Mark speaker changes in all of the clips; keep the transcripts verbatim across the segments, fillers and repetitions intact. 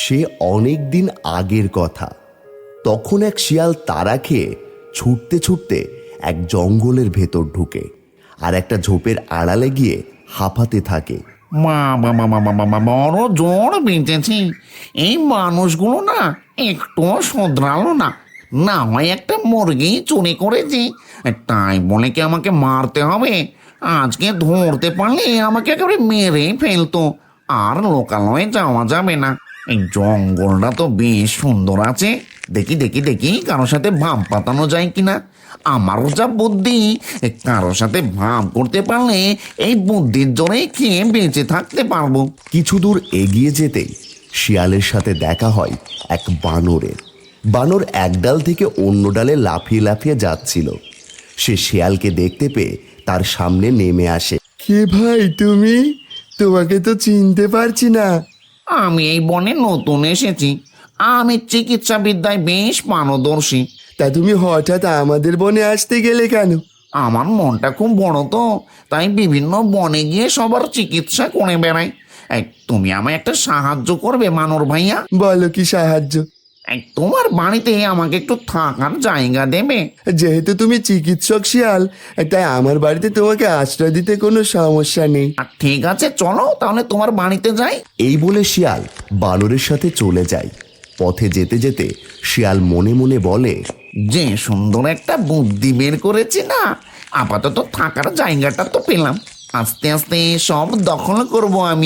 Speaker 1: সে অনেক দিন আগের কথা। তখন এক শিয়াল তাড়া খেয়ে ছুটতে ছুটতে এক জঙ্গলের ভেতর ঢুকে আর একটা ঝোপের আড়ালে গিয়ে হাঁপাতে থাকে।
Speaker 2: মা বাবা বাবা বাবা বড় জোর বেঁচেছি। এই মানুষগুলো না একটুও শোধরালো না। না হয় একটা মুরগি চুরি করেছি, তাই বলে কি আমাকে মারতে হবে? আজকে ধরতে পারলে আমাকে একেবারে মেরে ফেলতো। আর লোকালয়ে যাওয়া যাবে না। এই জঙ্গলটা তো বেশ সুন্দর আছে। দেখি দেখি দেখি কারোর সাথে ভাব পাতানো যায় কিনা। আমারও যা বুদ্ধি, কারোর সাথে ভাব করতে পারলে এই বুদ্ধির জোরে খেয়ে বেঁচে থাকতে পারবো।
Speaker 1: কিছু দূর এগিয়ে যেতেই শিয়ালের সাথে দেখা হয় এক বানরের। বানর এক ডাল থেকে অন্য ডালে লাফিয়ে লাফিয়ে যাচ্ছিল। সে শিয়ালকে দেখতে পেয়ে তার সামনে নেমে আসে।
Speaker 3: কে ভাই তুমি? তোমাকে তো চিনতে পারছি না।
Speaker 2: আমি এই বনে নতুন এসেছি। আমি চিকিৎসা বিদ্যায় বেশ পারদর্শী।
Speaker 3: তা তুমি হঠাৎ আমাদের বনে আসতে গেলে কেন?
Speaker 2: আমার মনটা খুব বড় তো, তাই বিভিন্ন বনে গিয়ে সবার চিকিৎসা করে বেড়াই। এই, তুমি আমায় একটা সাহায্য করবে মানর ভাইয়া?
Speaker 3: বলো কি সাহায্য?
Speaker 2: এই, তোমার বাড়িতে আমাকে একটু থাকার জায়গা দেবে?
Speaker 3: যেহেতু তুমি চিকিৎসক শিয়াল, তাই আমার বাড়িতে তোমাকে আশ্রয় দিতে কোনো সমস্যা নেই।
Speaker 2: আর ঠিক আছে, চলো তাহলে তোমার বাড়িতে যাই।
Speaker 1: এই বলে শিয়াল বানরের সাথে চলে যায়। পথে যেতে যেতে শিয়াল মনে মনে বলে,
Speaker 2: যে সুন্দর একটা বুদ্ধি বের করেছি না। আপাতত থাকার জায়গাটা তো পেলাম, আস্তে আস্তে সব দখল করব আমি।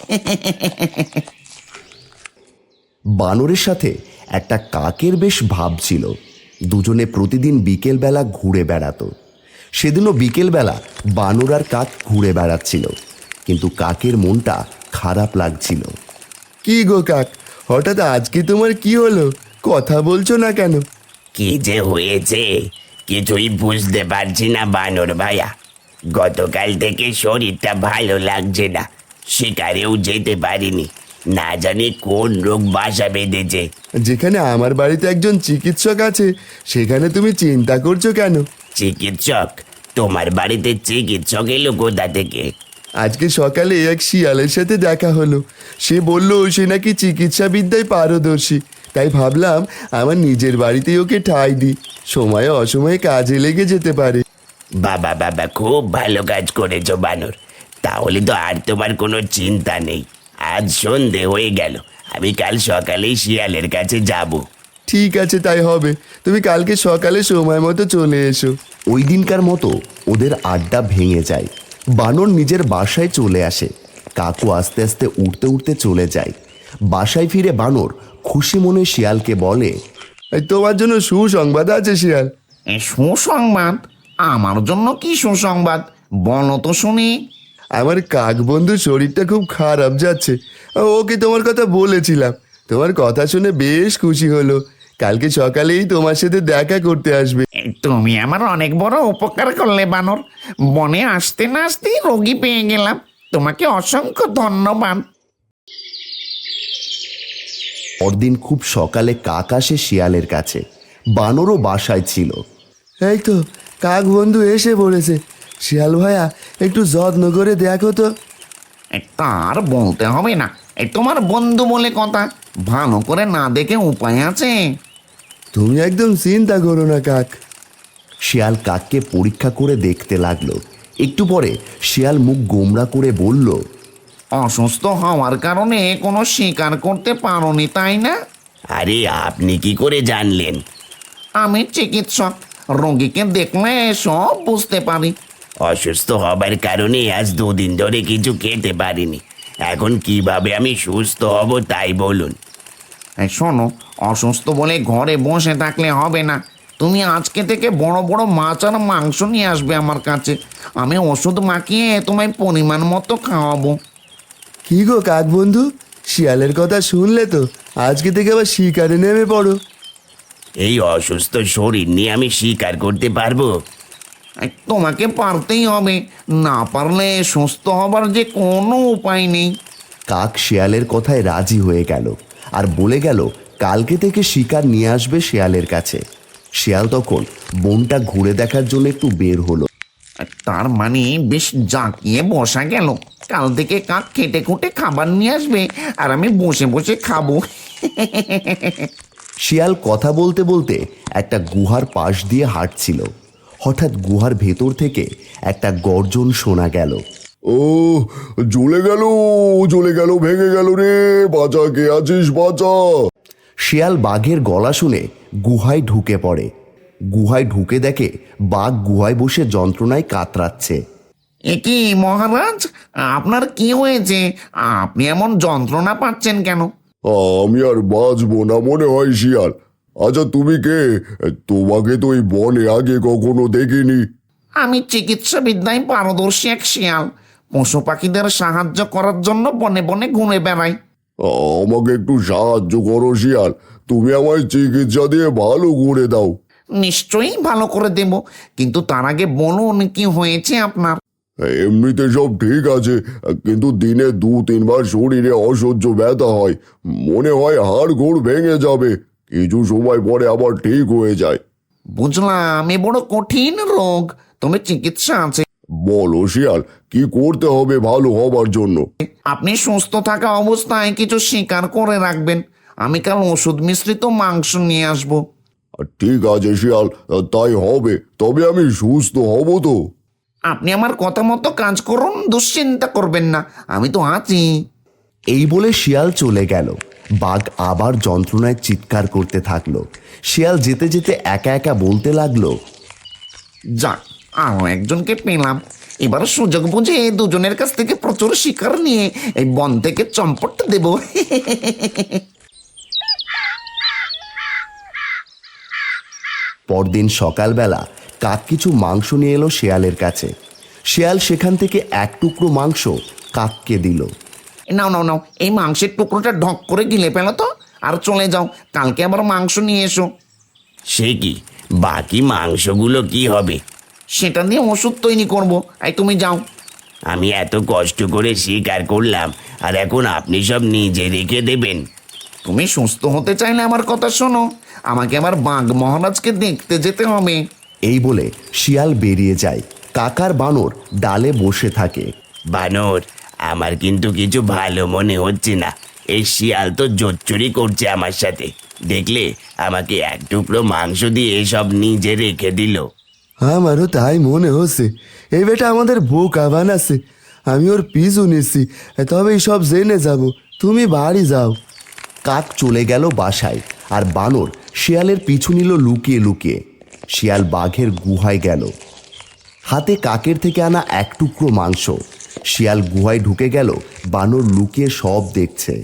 Speaker 1: বানরের সাথে একটা কাকের বেশ ভাব ছিল। দুজনে প্রতিদিন বিকেলবেলা ঘুরে বেড়াতো। সেদিনও বিকেলবেলা বানর আর কাক ঘুরে বেড়াচ্ছিল, কিন্তু কাকের মনটা খারাপ লাগছিল।
Speaker 3: কি গো কাক, হঠাৎ আজকে তোমার কি হলো? কথা বলছো না কেন?
Speaker 4: কি যে হয়েছে কিছুই বুঝতে পারছি না বানর ভাইয়া। গতকাল থেকে শরীরটা ভালো লাগছে না, শিকারেও যেতে পারিনি। না জানি কোন রোগ বাসা বেঁধেছে।
Speaker 3: যেখানে আমার বাড়িতে একজন চিকিৎসক আছে, সেখানে তুমি চিন্তা করছো কেন?
Speaker 4: চিকিৎসক? তোমার বাড়িতে চিকিৎসক এলো কোথা থেকে?
Speaker 3: আজকে সকালে এক শিয়ালের সাথে দেখা হলো। সে বলল সে নাকি চিকিৎসা বিদ্যায় পারদর্শী। তাই ভাবলাম আমার নিজের বাড়িতেই ওকে ঠাঁই দিই, সময়ে অসময়ে কাজে লেগে যেতে পারে।
Speaker 4: বাবা বাবা, খুব ভালো কাজ করেছো বানর। তাহলে তো আর তোমার কোনো চিন্তা নেই। আজ সন্ধে হয়ে গেল, আমি কাল সকালেই শিয়ালের কাছে যাব।
Speaker 3: ঠিক আছে, তাই হবে। তুমি কালকে সকালে সময় মতো চলে এসো।
Speaker 1: ওই দিনকার মতো ওদের আড্ডা ভেঙে যায়। বানর নিজের বাসায় চলে আসে। কাকু আস্তে আস্তে উঠতে উঠতে চলে যায়। বাসায় ফিরে বানর খুশি মনে শিয়ালকে বলে,
Speaker 3: এই তোমার জন্য সুসংবাদ আছে শিয়াল।
Speaker 2: এ সুসংবাদ? আমার জন্য কি সুসংবাদ? বলো তো শুনি।
Speaker 3: আমার কাক বন্ধুর শরীরটা খুব খারাপ যাচ্ছে। ওকে তোমার কথা বলেছিলাম, তোমার কথা শুনে বেশ খুশি হলো। কালকে সকালেই তোমার সাথে দেখা করতে আসবে।
Speaker 2: এই, তুমি আমার অনেক বড় উপকার করলে বানর। বনে আসতে না আসতেই রোগী পেয়ে গেলাম। তোমাকে অসংখ্য ধন্যবাদ।
Speaker 1: পরদিন খুব সকালে কাক আসে শিয়ালের কাছে। বানরও বাসায় ছিল।
Speaker 3: এই তো কাক বন্ধু এসে পড়েছে। শিয়াল ভাইয়া, একটু যত্ন করে দেখো তো।
Speaker 2: এ, তার বলতে হবে না। এই তোমার বন্ধু বলে কথা, ভালো করে না দেখে উপায় আছে?
Speaker 3: তুমি একদম চিন্তা করো না কাক।
Speaker 1: শিয়াল কাককে পরীক্ষা করে দেখতে লাগলো। একটু পরে শিয়াল মুখ গোমড়া করে বলল,
Speaker 2: অসুস্থ হওয়ার কারণে কোনো শিকার করতে পারোনি, তাই না?
Speaker 4: আরে আপনি কি করে জানলেন?
Speaker 2: আমি চিকিৎসক, রোগীকে দেখলে সব বুঝতে পারি।
Speaker 4: অসুস্থ হবার কারণে আজ দুদিন ধরে কিছু খেতে পারিনি। এখন কিভাবে আমি সুস্থ হব তাই বলুন।
Speaker 2: এই শোনো, অসুস্থ বলে ঘরে বসে থাকলে হবে না। তুমি আজকে থেকে বড় বড় মাছ আর মাংস নিয়ে আসবে আমার কাছে। আমি ওষুধ মাখিয়ে তোমায় পরিমাণ মতো খাওয়াবো।
Speaker 3: কি গো কাক বন্ধু, শিয়ালের কথা শুনলে তো? আজকে থেকে আবার শিকারে নেমে পড়ো।
Speaker 4: এই অসুস্থ শরীর নিয়ে আমি শিকার করতে পারবো?
Speaker 2: এই, তোমাকে পারতেই হবে। না পারলে সুস্থ হবার যে কোনো উপায় নেই।
Speaker 1: কাক শিয়ালের কথায় রাজি হয়ে গেল আর বলে গেল কালকে থেকে শিকার নিয়ে আসবে শিয়ালের কাছে। শিয়াল তখন বনটা ঘুরে দেখার জন্য একটু বের হলো।
Speaker 2: তার মানে বেশ জাঁকিয়ে বসা গেল। কাল থেকে কাক খেটে খুঁটে খাবার নিয়ে আসবে আর আমি বসে বসে খাবো।
Speaker 1: শিয়াল কথা বলতে বলতে একটা গুহার পাশ দিয়ে হাঁটছিল। হঠাৎ গুহার ভেতর থেকে একটা গর্জন শোনা গেল।
Speaker 3: ও জ্বলে গেল, জ্বলে গেল, ভেঙে গেল রে, বাঁচা, কে আছিস, বাঁচা।
Speaker 1: শিয়াল বাঘের গলা শুনে গুহায় ঢুকে পড়ে। গুহায় ঢুকে দেখে বাঘ গুহায় বসে যন্ত্রণায় কাতরাচ্ছে।
Speaker 2: এ কি মহারাজ, আপনার কি হয়েছে? আপনি এমন যন্ত্রণা পাচ্ছেন কেন?
Speaker 3: আমি আর বাঁচবো না মনে হয় শিয়াল। আচ্ছা তুমি কে? তোমাকে তো এই বনে আগে কখনো দেখিনি।
Speaker 2: আমি চিকিৎসা বিদ্যায় পারদর্শী এক শিয়াল। পশু পাখিদের সাহায্য করার জন্য বনে বনে ঘুরে বেড়াই।
Speaker 3: আমাকে একটু সাহায্য করো শিয়াল, তুমি আমায় চিকিৎসা দিয়ে ভালো করে দাও।
Speaker 2: নিশ্চয়ই ভালো করে দেব, কিন্তু তার আগে বলুন কি হয়েছে আপনার।
Speaker 3: এমনিতে সব ঠিক আছে, কিন্তু দিনে দু তিনবার শরীরে অসহ্য ব্যথা হয়, মনে হয় হাড় গোড় ভেঙে যাবে, কিছু সময় পরে আবার ঠিক হয়ে যায়।
Speaker 2: বুঝলাম, এ বড় কঠিন রোগ, তবে চিকিৎসা আছে।
Speaker 3: বলো শিয়াল, কি করতে হবে ভালো হবার জন্য?
Speaker 2: আপনি সুস্থ থাকা অবস্থায় কিছু শিকার করে রাখবেন। আমি কাল ওষুধ মিশ্রিত মাংস নিয়ে আসবো।
Speaker 3: ঠিক আছে শিয়াল, তাই হবে, তবে আমি সুস্থ হব তো?
Speaker 2: আপনি আমার কথা মতো কাজ করুন, দুশ্চিন্তা করবেন না, আমি তো আছি।
Speaker 1: এই বলে শিয়াল চলে গেল। বাঘ আবার যন্ত্রণায় চিৎকার করতে থাকলো। শিয়াল যেতে যেতে একা একা বলতে লাগলো,
Speaker 2: যাক, আরো একজনকে পেলাম। এবার সুযোগ বুঝে দুজনের কাছ থেকে প্রচুর শিকার নিয়ে এই বন থেকে চম্পট দেব।
Speaker 1: পরদিন সকালবেলা কাক কিছু মাংস নিয়ে এলো শিয়ালের কাছে। শিয়াল সেখান থেকে এক টুকরো মাংস কাককে দিল।
Speaker 2: নাও নাও নাও, এই মাংসের টুকরোটা ঢক করে গিলে ফেলো তো, আর চলে যাও, কালকে আবার মাংস নিয়ে এসো।
Speaker 4: সে কি, বাকি মাংসগুলো কি হবে?
Speaker 2: সেটা দিয়ে ওষুধ তৈরি করবো, এই তুমি যাও।
Speaker 4: আমি এত কষ্ট করে শিকার করলাম, আর এখন আপনি সব নিজে রেখে দেবেন?
Speaker 2: তুমি সুস্থ হতে চাইলে আমার কথা শোনো, আমাকে আবার বাঘ মহারাজকে দেখতে যেতে হবে।
Speaker 1: এই বলে শিয়াল বেরিয়ে যায়। কাকার বানর ডালে বসে থাকে।
Speaker 4: বানর, আমার কিন্তু কিছু ভালো মনে হচ্ছে না। এই শিয়াল তো জোচ্চুরি করছে আমার সাথে। দেখলে আমাকে এক টুকরো মাংস দিয়ে এসব নিজে রেখে দিল।
Speaker 3: আমারও তাই মনে হচ্ছে, এই বেটা আমাদের বোকা বানাচ্ছে। আমি ওর পিছু নিচ্ছি, তবে সব জেনে যাব। তুমি বাড়ি যাও।
Speaker 1: কাক চলে গেল বাসায়, আর বানর শিয়ালের পিছু নিল লুকিয়ে লুকিয়ে। শিয়াল বাঘের গুহায় গেল, হাতে কাকের থেকে আনা এক টুকরো মাংস। শিয়াল গুহায় ঢুকে গেল, বানর লুকিয়ে সব দেখছে।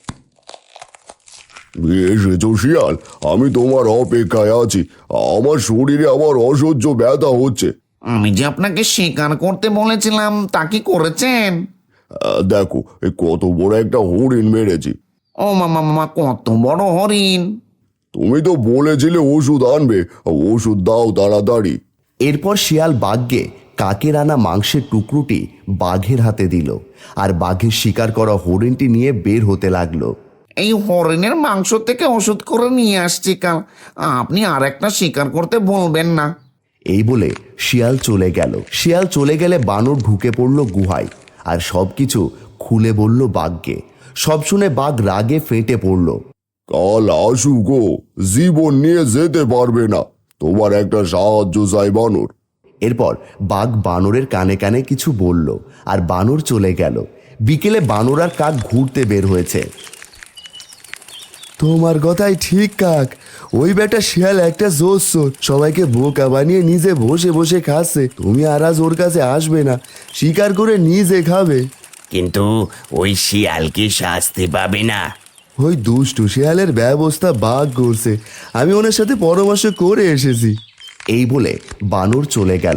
Speaker 3: এসেছো শিয়াল, আমি তোমার অপেক্ষায় আছি। আমার শরীরে আমার অসহ্য ব্যথা হচ্ছে।
Speaker 2: আমি যে আপনাকে শিকার করতে বলেছিলাম তা কি করেছেন?
Speaker 3: আহ, দেখো, এই কত বড় একটা হরিণ মেরেছি।
Speaker 2: ও মামা মামা, কত বড় হরিণ!
Speaker 3: তুমি তো বলেছিলে ওষুধ আনবে, ওষুধ দাও তাড়াতাড়ি।
Speaker 1: এরপর শিয়াল বাঘকে কাকের আনা মাংসের টুকরোটি বাঘের হাতে দিল, আর বাঘের শিকার করা হরিণটি নিয়ে বের হতে লাগলো।
Speaker 2: এই হরিণের মাংস থেকে ওষুধ করে নিয়ে আসছি কাল, আপনি আর একটা শিকার করতে বলবেন না।
Speaker 1: এই বলে শিয়াল চলে গেল। শিয়াল চলে গেলে বানর ঢুকে পড়ল গুহায়, আর সবকিছু খুলে বলল বাঘকে। সব শুনে বাঘ রাগে ফেটে পড়ল।
Speaker 3: কাল আসু গো, জীবন নিয়ে যেতে পারবে না, তোমার একটা সাহায্য চাই বানর।
Speaker 1: এরপর বাঘ বানরের কানে কানে কিছু বলল, আর বানর চলে গেল। বিকেলে বানর আর কাক ঘুরতে বের হয়েছে।
Speaker 3: তোমার কথাই ঠিক কাক, ওই বেটা শিয়াল একটা জোস, সবাইকে বোকা বানিয়ে নিজে বসে বসে খাচ্ছে। তুমি আর আজ ওর কাছে আসবে না, শিকার করে নিজে খাবে।
Speaker 4: কিন্তু ওই শিয়াল কি শাস্তি পাবে না?
Speaker 3: ওই দুষ্টু শিয়ালের ব্যবস্থা বাঘ করছে, আমি ওনার সাথে পরামর্শ করে এসেছি।
Speaker 1: এই বলে বানর চলে গেল।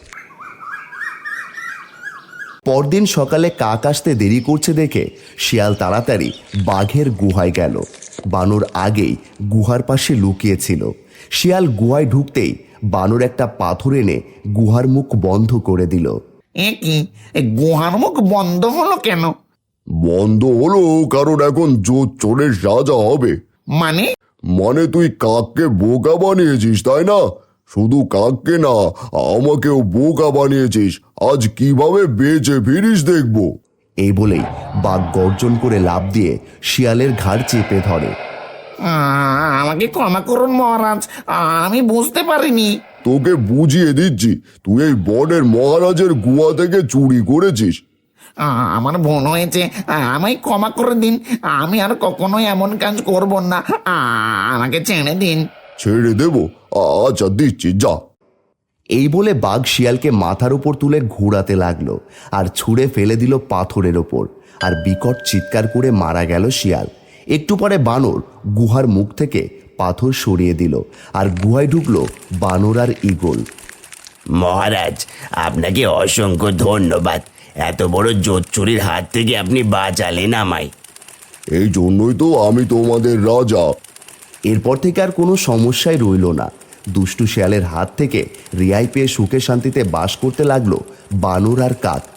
Speaker 1: পরদিন সকালে কাক আসতে দেরি করছে দেখে শিয়াল তাড়াতাড়ি বাঘের গুহায় গেল। বানর আগেই গুহার পাশে লুকিয়েছিল। শিয়াল গুহায় ঢুকতেই বানর একটা পাথর এনে গুহার মুখ বন্ধ করে দিল।
Speaker 2: এ কি, এই গুহার মুখ বন্ধ হলো কেন?
Speaker 3: বন্ধ হলো কারণ এখন জোর চোরের সাজা হবে।
Speaker 2: মানে?
Speaker 3: মানে তুই কাককে বোকা বানিয়েছিস, তাই না? শুধু কাককে না, আমাকেও বোকা বানিয়েছিস। আজ কিভাবে বেঁচে ফিরিস দেখবো।
Speaker 1: এই বলেই বাঘ গর্জন করে লাফ দিয়ে শিয়ালের ঘাড় চেপে ধরে।
Speaker 2: আহ, আমাকে ক্ষমা করুন মহারাজ, আমি বুঝতে পারিনি।
Speaker 3: তোকে বুঝিয়ে দিচ্ছি, তুই এই বনের মহারাজের গুহা থেকে চুরি করেছিস।
Speaker 2: আহ, আমার ভুল হয়েছে, আহ, আমায় ক্ষমা করে দিন। আমি আর কখনোই এমন কাজ করব না। আহ, আমাকে ছেড়ে দিন।
Speaker 3: ছেড়ে দেবো? আচ্ছা দিচ্ছি, যা।
Speaker 1: এই বলে বাঘ শিয়ালকে মাথার উপর তুলে ঘোরাতে লাগলো আর ছুঁড়ে ফেলে দিল পাথরের ওপর, আর বিকট চিৎকার করে মারা গেল শিয়াল। একটু পরে বানর গুহার মুখ থেকে পাথর সরিয়ে দিল, আর গুহায় ঢুকলো বানর আর ঈগল।
Speaker 4: মহারাজ, আপনাকে অসংখ্য ধন্যবাদ। এত বড় জোচ্চুরির হাত থেকে আপনি বাঁচালেন আমায়।
Speaker 3: এই জন্যই তো আমি তোমাদের রাজা।
Speaker 1: এরপর থেকে আর কোনো সমস্যাই রইল না। দুষ্টু শিয়ালের হাত থেকে রেহাই পেয়ে সুখে শান্তিতে বাস করতে লাগলো বানর আর কাক।